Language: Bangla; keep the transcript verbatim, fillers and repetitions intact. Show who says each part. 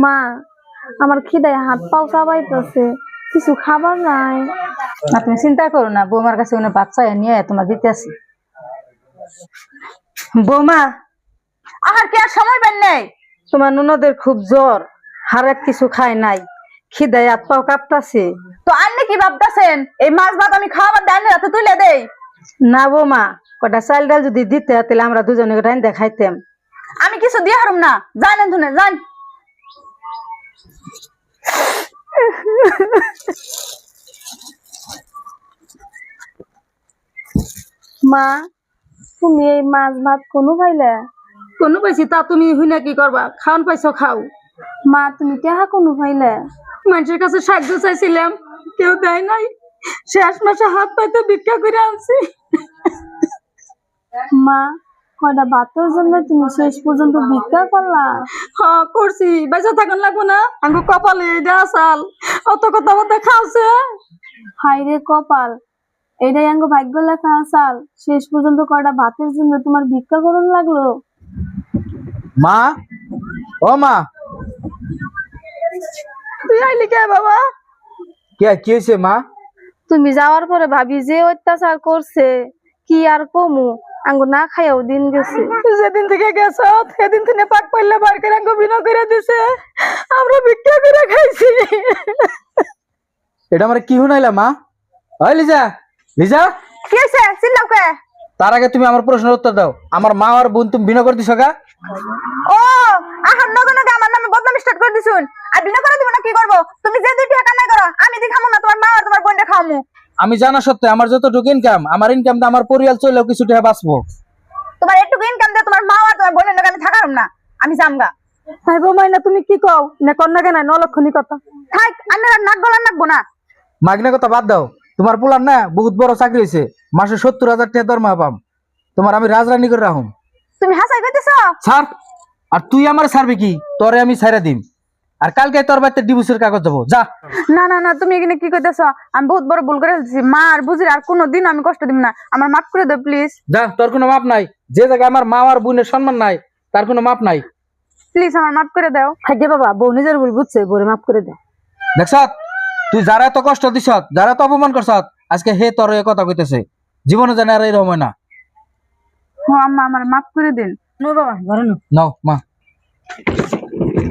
Speaker 1: মা আমার খিদায় হাত পাও চাবাইতেছে, কিছু খাবার নাই।
Speaker 2: না তুমি চিন্তা করো না, বৌমার কাছে কোনো বাচ্চা নিয়ে তোমার দিতে আসি। বৌমা
Speaker 3: আহার কি আর সময় পান নাই?
Speaker 2: তোমার ননদের খুব জ্বর, হারাত কিছু খায় নাই, খিদায় হাত পাও কাঁপতাছে।
Speaker 3: তো আন্নে কি ভাবতেছেন এই মাছ ভাত আমি খাওয়াবার ডালে রাতে তুলে দেই?
Speaker 2: না বৌমা, কটা চাল ডাল যদি দিতে তাহলে আমরা দুজনে রাইন দেখাইতাম।
Speaker 3: আমি কিছু দিয়ে হারুম না, জানেন শুনে জান।
Speaker 1: মা তুমি এই মাছ ভাত কোনো পাইলে?
Speaker 2: কোনো পাইছি তা তুমি হুইনা কি করবা, খাওন পাইছো খাও।
Speaker 1: মা তুমি টেহা কোনো পাইলে?
Speaker 2: মানুষের কাছে সাহায্য চাইছিলাম, কেউ দেয় নাই, শেষ মাসে হাত পাইতে ভিক্ষা করে আনছি।
Speaker 1: মা কয়টা ভাতের জন্য তুমি শেষ পর্যন্ত ভিক্ষা করলা?
Speaker 2: হ্যাঁ করছি, বেঁচে থাকুন লাগবো না, আঙ্গু কপালে এটা আসাল, অত কথা বলতে খাওছে।
Speaker 1: হাই রে কপাল, এটাই আঙ্গ ভাগ্য লেখা আসাল, শেষ পর্যন্ত কয়টা ভাতের জন্য তোমার ভিক্ষা করুন লাগলো।
Speaker 4: মা, ও মা,
Speaker 2: তুই আইলি কে বাবা?
Speaker 4: কে কি হয়েছে মা?
Speaker 1: তুমি যাওয়ার পরে ভাবি যে অত্যাচার করছে কি আর কমু, আঙ্গু না খাইয়াও দিন গেছে।
Speaker 2: যেদিন থেকে গেছ সেদিন থেকে পাক পাইলে বার করে আঙ্গু বিনা করে দিছে, আমরা ভিক্ষা করে খাইছি।
Speaker 4: এটা আমার কি শুনাইলা মা? ওই লিজা, লিজা,
Speaker 3: কি হয়েছে চিল্লাও কে?
Speaker 4: তার আগে তুমি আমার প্রশ্নের উত্তর দাও। আমার মা আর বোন তুমি বিনা করে দিছো গা?
Speaker 3: ও আহার নগে নগে আমার নামে বদনাম স্টার্ট করে দিছুন। আর বিনা করে দিব না কি করব? তুমি যে দুই টাকা কামাই করো আমি দি খামু না, তোমার মা আর তোমার বোনটা খাওয়ামু।
Speaker 4: আমি জানা সত্ত্বে আমার যতটুকু ইনকাম, আমার ইনকামটা আমার পরিবার চলেও কিছু টাকা বাঁচবো।
Speaker 3: তোমার একটু ইনকাম দিয়ে তোমার মা আর তোমার বোনের নামে আমি থাকারম না, আমি জামগা।
Speaker 2: ভাই বৌমাই না তুমি কি কও না, কন্যা কেন নলক্ষণী কথা।
Speaker 3: থাক আমি আর নাক গলা নাকবো না।
Speaker 4: মাগনা কথা বাদ দাও। তোমার পোলার না বহুত বড় চাকরি হয়েছে, মাসে সত্তর হাজার টাকা দরমা পাম। তোমার আমি রাজরানী করে রাখুম।
Speaker 3: তুমি হাসাই কইতেছ?
Speaker 4: ছাড়। আর তুই আমার ছাড়বি কি? তোরে আমি ছাইরা দিম। আর কালকে তোর বাড়িতে ডিভোর্সের কাগজ দেবো, যা।
Speaker 3: না না না, তুমি এখানে কি কইতেছ? আমি বহুত বড় ভুল করে ফেলছি। মা আর বুঝির আর কোনোদিন আমি কষ্ট দিব না, আমার মাফ করে দাও প্লিজ।
Speaker 4: যা, তোর কোনো মাপ নাই। যে জায়গায় আমার মা আর বোনের সম্মান নাই তার কোনো মাপ নাই।
Speaker 3: প্লিজ আমার মাফ করে দাও।
Speaker 2: থাকে বাবা, বউ নিজের ভুল বুঝছে, বউরে মাফ করে দাও।
Speaker 4: দেখছ, তুই যারা এত কষ্ট দিছ, যারা এত অপমান করছ, আজকে হে তোর এ কথা কইতেছে। জীবনে জানে আর এরকম হয় না।
Speaker 3: ও আম্মা আমার মাফ করে দিন।
Speaker 2: নো বাবা, ঘরে নো।
Speaker 4: নাও মা।